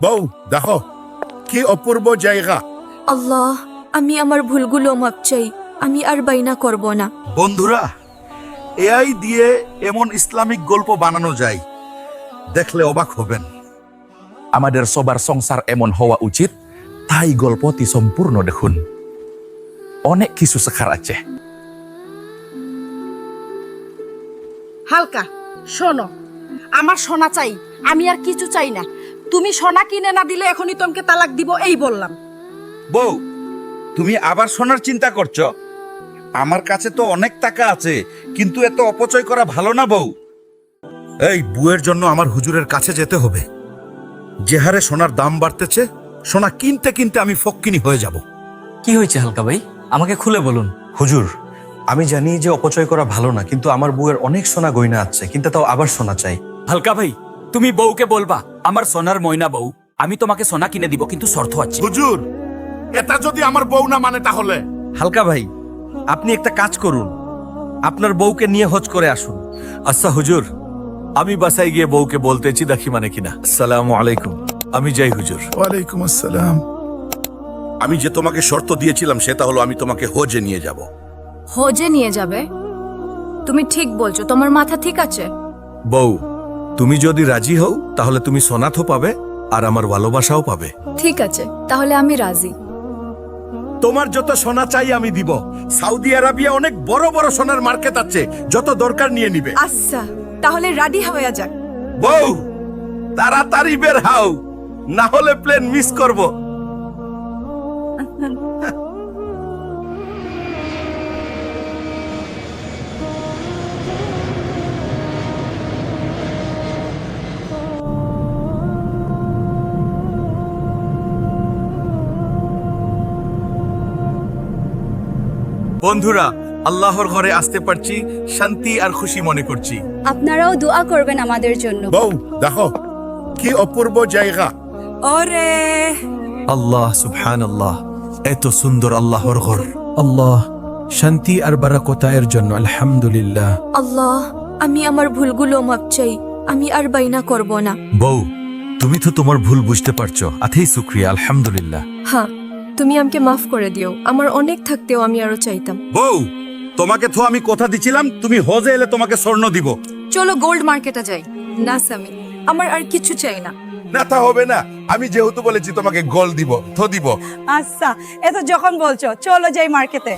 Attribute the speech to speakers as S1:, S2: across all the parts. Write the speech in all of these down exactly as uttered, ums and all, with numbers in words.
S1: বউ দেখো কি অপূর্ব জায়গা।
S2: আল্লাহ, আমি আমার ভুলগুলো মাপ চাই। আমি আর বাইনা করব না।
S1: বন্ধুরা, এআই দিয়ে এমন ইসলামিক গল্প বানানো যায়, দেখলে অবাক হবেন।
S3: আমাদের সবার সংসার এমন হওয়া উচিত, তাই গল্পটি সম্পূর্ণ দেখুন। অনেক কিছু শেখার আছে।
S4: হালকা শোনো, আমার সোনা চাই, আমি আর কিছু চাই না। তুমি সোনা কিনে না দিলে এখনই তোমাকে তালাক দিব, এই বললাম।
S1: বউ, তুমি আবার সোনার চিন্তা করছো? আমার কাছে তো অনেক টাকা আছে, কিন্তু এত অপচয় করা ভালো না বউ। এই বুয়ের জন্য আমার হুজুরের কাছে যেতে হবে। যে হারে সোনার দাম বাড়তেছে, সোনা কিনতে কিনতে আমি ফক্কিনি হয়ে যাব।
S5: কি হয়েছে হালকা ভাই, আমাকে খুলে বলুন।
S6: হুজুর, আমি জানি যে অপচয় করা ভালো না, কিন্তু আমার বউয়ের অনেক সোনা গয়না আছে, কিন্তু তাও আবার সোনা চাই।
S5: হালকা ভাই, তুমি বউকে বলবা আমার সোনার ময়না বউ, আমি তোমাকে সোনা কিনে দিব, কিন্তু শর্ত আছে।
S1: হুজুর, এটা যদি আমার বউ না মানে তাহলে?
S6: হালকা ভাই, আপনি একটা কাজ করুন, আপনার বউকে নিয়ে হজ করে আসুন।
S7: আচ্ছা হুজুর, আমি বাসায় গিয়ে বউকে বলতেছি, দেখি মানে কিনা। আসসালামু আলাইকুম, আমি যাই হুজুর।
S1: ওয়ালাইকুম আসসালাম। আমি যে তোমাকে শর্ত দিয়েছিলাম সেটা হলো আমি তোমাকে হজে নিয়ে যাব।
S2: হজে নিয়ে যাবে? তুমি ঠিক বলছো, তোমার মাথা ঠিক আছে?
S7: বউ, তুমি যদি রাজি হও তাহলে তুমি সোনাথও পাবে আর আমার ভালোবাসাও পাবে।
S2: ঠিক আছে, তাহলে আমি রাজি।
S1: তোমার যত সোনা চাই আমি দিব। সৌদি আরবিয়া অনেক বড় বড় সোনার মার্কেট আছে, যত দরকার নিয়ে নিবে।
S2: আচ্ছা, তাহলে রেডি হয়ে যাক।
S1: বউ, তাড়াতাড়ি বের হও, না হলে প্লেন মিস করব।
S7: বন্ধুরা, আল্লাহর ঘরে আসতে পারছি, শান্তি আর খুশি মনে করছি।
S8: আপনারাও দোয়া করবেন আমাদের জন্য।
S1: বউ দেখো কি অপূর্ব জায়গা।
S2: ওরে
S7: আল্লাহ সুবহানাল্লাহ, এত সুন্দর আল্লাহর ঘর। আল্লাহ শান্তি আর বারাকতা এর জন্য আলহামদুলিল্লাহ।
S2: আল্লাহ, আমি আমার ভুলগুলো মাপ চাই। আমি আর বাইনা করব না।
S7: বউ, তুমি তো তোমার ভুল বুঝতে পারছো, আথেই শুকরিয়া, আলহামদুলিল্লাহ।
S2: হ্যাঁ, তুমি আমাকে মাফ করে দিও। আমার অনেক থাকতেও আমি আরো চাইতাম।
S1: বউ, তোমাকে তো আমি কথা দিছিলাম তুমি হজে এলে তোমাকে স্বর্ণ দিব।
S2: চলো গোল্ড মার্কেটে যাই। না সামি, আমার আর কিছু চাই না।
S1: না তা হবে না, আমি যেহেতু বলেছি তোমাকে গোল্ড দিব তো দিব।
S4: আচ্ছা, এত যখন বলছো চলো যাই মার্কেটে।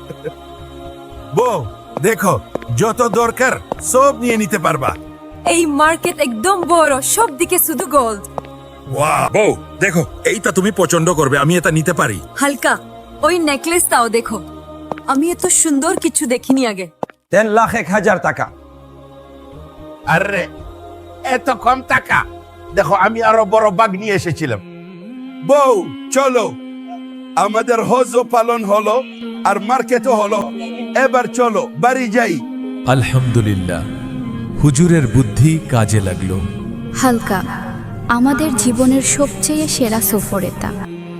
S1: বউ দেখো, যত দরকার সব নিয়ে নিতে পারবা।
S2: এই মার্কেট একদম বড়, সব দিকে শুধু গোল্ড।
S1: ওয়াও, বউ দেখো, এইটা তুমি পছন্দ করবে, আমি এটা নিতে পারি।
S2: হালকা, ওই নেকলেসটাও দেখো। আমি এত সুন্দর কিছু দেখিনি আগে।
S6: তিন লাখ এক হাজার টাকা।
S1: আরে এত কম টাকা? দেখো, আমি আরো বড় বাগ নিয়ে এসেছিলাম। বউ চলো, আমাদের হজও পালন হলো আর মার্কেটও হলো। এবার চলো বাড়ি যাই।
S7: আলহামদুলিল্লাহ, হুজুরের বুদ্ধি কাজে লাগলো।
S8: হালকা, আমাদের জীবনের সবচেয়ে সেরা সফর এটা।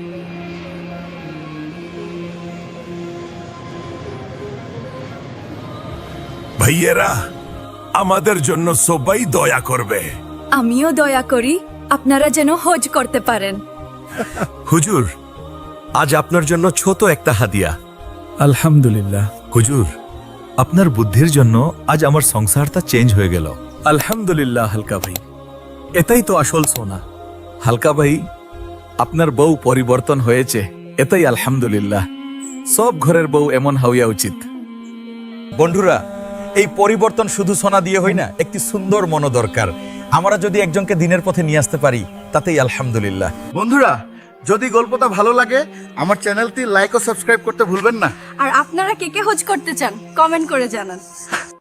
S7: ভাইয়েরা, আমাদের জন্য সবাই দয়া করবে।
S2: আমিও দয়া করি, আপনারা যেন হজ করতে পারেন।
S7: হুজুর, আজ আপনার জন্য ছোট একটা হাদিয়া। আলহামদুলিল্লাহ হুজুর, আপনার বুদ্ধির জন্য আজ আমার সংসারটা চেঞ্জ হয়ে গেল। আলহামদুলিল্লাহ হালকা ভাই, এটাই তো আসল সোনা। হালকা ভাই, আপনার বউ পরিবর্তন হয়েছে, এটাই আলহামদুলিল্লাহ। সব ঘরের বউ এমন হওয়া উচিত।
S6: বন্ধুরা, এই পরিবর্তন শুধু সোনা দিয়ে হয় না, একটি সুন্দর মন দরকার। আমরা যদি একজনকে দিনের পথে নিয়ে আসতে পারি, তাতেই আলহামদুলিল্লাহ।
S1: বন্ধুরা, যদি গল্পটা ভালো লাগে আমার চ্যানেলটি লাইক ও সাবস্ক্রাইব করতে ভুলবেন না।
S2: আর আপনারা কে কে হজ করতে চান কমেন্ট করে জানান।